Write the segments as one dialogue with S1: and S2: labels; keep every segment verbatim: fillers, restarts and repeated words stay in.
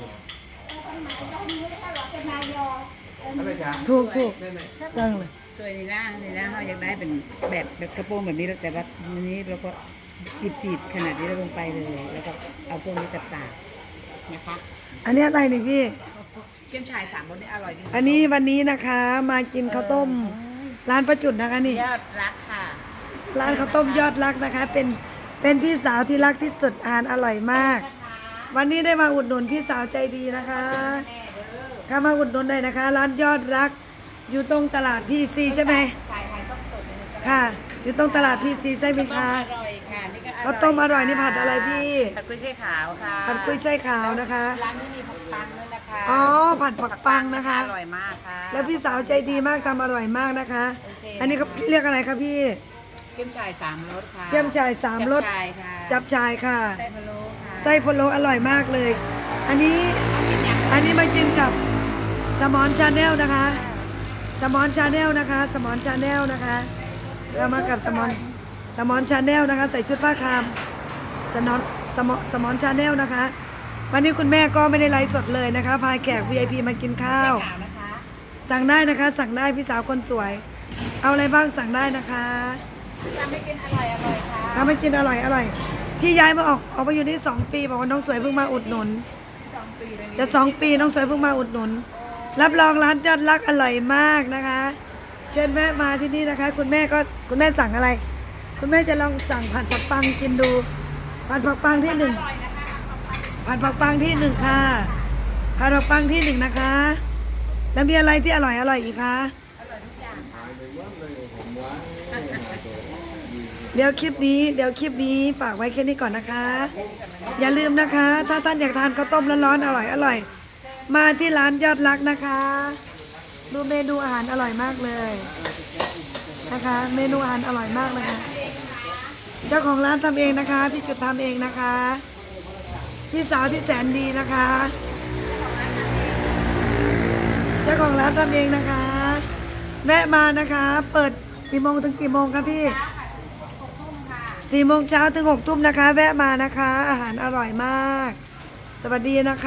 S1: ถูกถูกสั่งเลย
S2: สวยในร่างในร่างเราอยากได้เป็นแบบแบบกระโปรงแบบนี้แต่ว่าอันนี้เราก็จีบจีบขนาดนี้เราลงไปเลย แล้วก็เอาพวกนี้ตัดตากนะคะ
S1: อันนี้อะไรนี่พี่
S2: เกี๊ยวฉ่ายสามรสนี่อร่อยดี
S1: อันนี้วันนี้นะคะมากินข้าวต้มร้านประจุดนะคะนี่
S2: ยอดรักค่ะ
S1: ร้านข้าวต้มยอดรักนะคะ เป็นเป็นพี่สาวที่รักที่สุดอาหารอร่อยมาก วันนี้ได้มาอุดหนุนพี่สาวใจดีนะคะเข้ามาอุดหนุนได้นะคะ ร้านยอดรักอยู่ตรงตลาดพีซีใช่ไหม
S2: ขายขายก็สดเลย
S1: ค่ะ อยู่ตรงตลาดพีซีใช่ไหมคะ
S2: อร่อยค่ะนี่ก็
S1: ข้าวต้มอร่อยนี่ผัดอะไรพี่
S2: ผัดกุ้ยช่ายขาวค่ะ
S1: ผัดกุ้ยช่ายขาวนะคะ
S2: ร้านนี้มีผักปังด้วยนะคะ
S1: อ๋อผัดผักปังนะคะ
S2: อร่อยมากค่ะ
S1: แล้วพี่สาวใจดีมากทำอร่อยมากนะคะ
S2: โอเค
S1: อันนี้เขาเรียกอะไรคะพี่
S2: เกี๊ยวฉ่ายสามรสค่ะ
S1: เกี๊ยวฉ่ายสามรส
S2: จับฉ่ายค่ะ
S1: จับชายค่ะ
S2: ไส้พะโล้ค่ะ
S1: ไส้พะโล้อร่อยมากเลย อันนี้อันนี้มากินกับสมอนชาแนลนะคะ สมอนชาแนลนะคะ สมอนชาแนลนะคะเรามากับสมอนสมอนชาแนลนะคะ ใส่ชุดผ้าคามสนอนสมอนสมอนชาแนลนะคะ วันนี้คุณแม่ก็ไม่ได้ไลฟ์สดเลยนะคะพาแขก วี ไอ พี มากินข้าว
S2: ขาวนะคะ
S1: สั่งได้นะคะ สั่งได้พี่สาวคนสวย เอาอะไรบ้างสั่งได้นะคะ
S2: ทำให้กินอร่อยอร่อยค่ะ
S1: ทำให้กินอร่อยอร่อยพี่ย้ายมาออกออกมาอยู่นี่สองปีบอกว่าน้องสวยเพิ่งมาอุดหนุน
S2: สองปีเลย
S1: จะสองปีน้องสวยเพิ่งมาอุดหนุน รับรองร้านยอดรักอร่อยมากนะคะ เชิญแวะมาที่นี่นะคะ คุณแม่ก็คุณแม่สั่งอะไร คุณแม่จะลองสั่งผัดผักปังกินดู ผัดผักปังที่หนึ่งผัดผักปังที่หนึ่งค่ะผัดผักปังที่หนึ่งนะคะ แล้วมีอะไรที่อร่อยอร่อยอีกคะเดี๋ยวคลิปนี้เดี๋ยวคลิปนี้ฝากไว้แค่นี้ก่อนนะคะ อย่าลืมนะคะ ถ้าท่านอยากทานข้าวต้มร้อนๆอร่อยอร่อยมาที่ร้านยอดรักนะคะ ดูเมนูอาหารอร่อยมากเลยนะคะ เมนูอาหารอร่อยมากเลยค่ะเจ้าของร้านทำเองนะคะพี่จุดทำเองนะคะพี่สาวที่แสนดีนะคะ เจ้าของร้านทำเองนะคะแวะมานะคะ เปิดกี่โมงถึงกี่โมงครับพี่สี่โมงเช้าถึงหกทุ่มนะคะ แวะมานะคะ อาหารอร่อยมาก สวัสดีนะคะ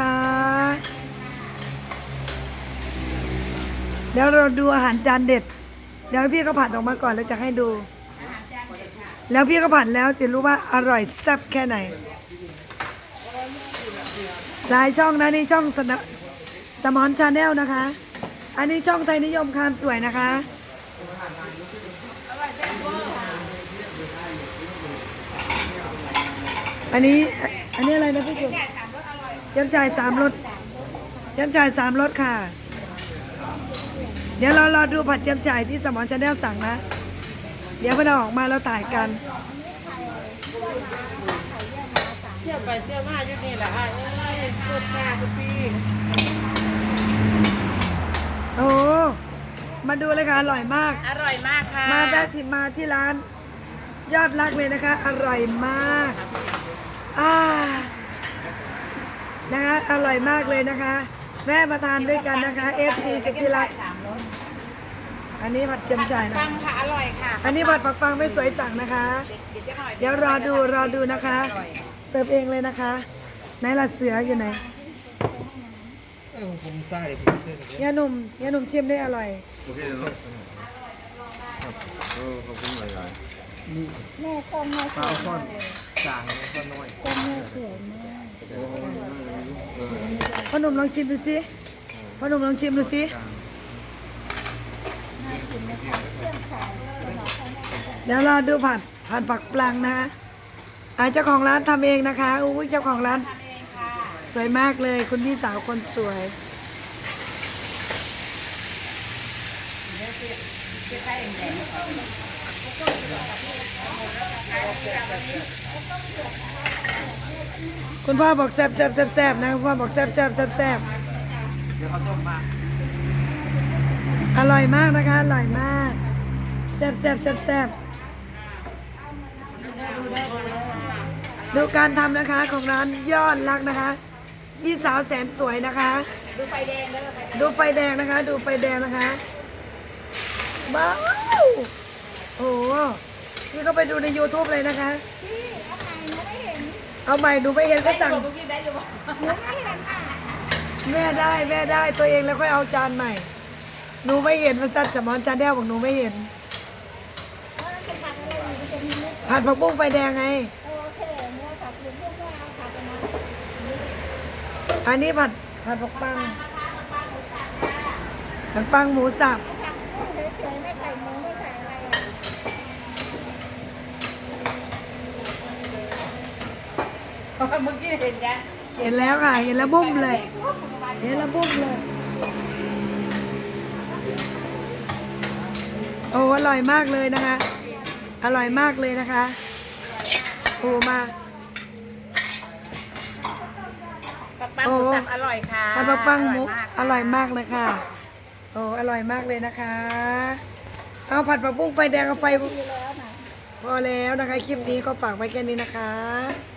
S1: เดี๋ยวเราดูอาหารจานเด็ด เดี๋ยวพี่ก็ผัดออกมาก่อนแล้วจะให้ดู แล้วพี่ก็ผัดแล้วจะรู้ว่าอร่อยแซ่บแค่ไหนหลายช่องนะนี่ช่องสนสมอนชาแนลนะคะ อันนี้ช่องไทยนิยมคามสวยนะคะ อันนี้อันนี้อะไรนะพี่จุ๊บยำจ่ายสามรสยำจ่ายสามรสค่ะ เดี๋ยวเรารอดูผัดยำจ่ายที่สมอนชาแนลสั่งนะ เดี๋ยวพอเราออกมาเราถ่ายกันเที่ยวไปเที่ยวมาอยู่นี่แหละอ่ะเอ้ยสุดแม่ทุกปีโอ้มาดูเลยค่ะอร่อยมาก
S2: อร่อยมากค่ะ
S1: มาแวะที่มาที่ร้านยอดรักเลยนะคะ อร่อยมากอ่านะคะอร่อยมากเลยนะคะแวะมาทานด้วยกันนะคะ เอฟ ซี สุดที่รัก
S2: สามรส
S1: อันนี้ผัดเจียมจ่ายนะ
S2: ปังค่ะอร่อยค่ะ
S1: อันนี้ผัดผักปังไม่สวยสั่งนะคะ เดี๋ยวรอดูรอดูนะคะ เสิร์ฟเองเลยนะคะไหนล่ะเสืออยู่ไหน
S3: เออผมใส่ผมเส้นอย่างเงี้ย
S1: ยาหนุ่มยาหนุ่มชิมได้อร่อย
S3: โอเคเนาะเออขอบคุณหลายๆนี่
S4: แม่ต้มแม่ส
S3: ข้าว
S4: วย
S3: ซ่อ
S4: มาน กเลย
S3: จางก็น้อย
S4: ต้มแม่สวยมาก
S3: โอ้โหเออ
S1: พ่อหนุ่มลองชิมดูสิพ่อหนุ่มลองชิมดูสิเดี๋ยวรอดูผัดผัดผักปลังนะคะอาเจ้าของร้านทำเองนะคะอุ้ยเจ้าของร้านสวยมากเลยคุณพี่สาวคนสวยคุณพ่อบอกแซ่บแซ่บแซ่บแซ่บนะคุณพ่อบอกแซ่บแซ่บแซ่บแซ่บ
S3: เดี๋ยวเขาต้มมา
S1: อร่อยมากนะคะอร่อยมากแซ่บแซ่บแซ่บแซ่บดูการทำนะคะของร้านยอดรักนะคะพี่สาวแสนสวยนะคะ
S2: ดูไฟแดงแล้วไฟแดง
S1: ดูไฟแดงนะคะ ดูไฟแดงนะคะว้าวโอ้โหพี่ก็ไปดูใน ยูทูบ เลยนะคะ
S4: พี่เอาใหม่หนูไม่เห็น
S1: เอาใหม่ดูไม่เห็นก็สั่ง
S2: เมื่อกี้ได้อยู่บ่
S4: หนูไม่เห็นอ่ะ
S1: แม่ได้แม่ได้ตัวเองแล้วค่อยเอาจานใหม่ หนูไม่เห็นมันจัดสมอนจานแดงบอกหนูไม่เห็น
S4: แล้วมันจะผัดอะไรอยู่มันจะมีเม็ด
S1: ผัดผักบุ้งไฟแดงไง
S4: โอเคเนื้อผัดหรือพวกว่าเอาผัดกันนะ
S1: อันนี้ผัดผัดผักปังผัดปังหมูสับ
S4: ผัดกุ้งเฉยๆไม่ใส่หมูไม่ใส่อะไรอ่ะ
S2: เมื่อกี้เห็นยัง
S1: เห็นแล้วค่ะ เห็นแล้วบุ้มเลย เห็นแล้วบุ้มเลย โอ้อร่อยมากเลยนะคะ อร่อยมากเลยนะคะโอ้มา
S2: ปักปังหมูสับอร่อยค่ะ
S1: ผัดผักปังหมู
S2: อ
S1: อ
S2: ร่
S1: ร่
S2: อ
S1: อย ย
S2: มาก
S1: มากเลยค่ะ โอ้อร่อยมากเลยนะคะ เอาผัดผักบุ้งไฟแดงกับไฟ
S4: ดีแล้วนะ
S1: พอแล้วนะคะ คลิปนี้ก็ฝากไว้แค่นี้นะคะ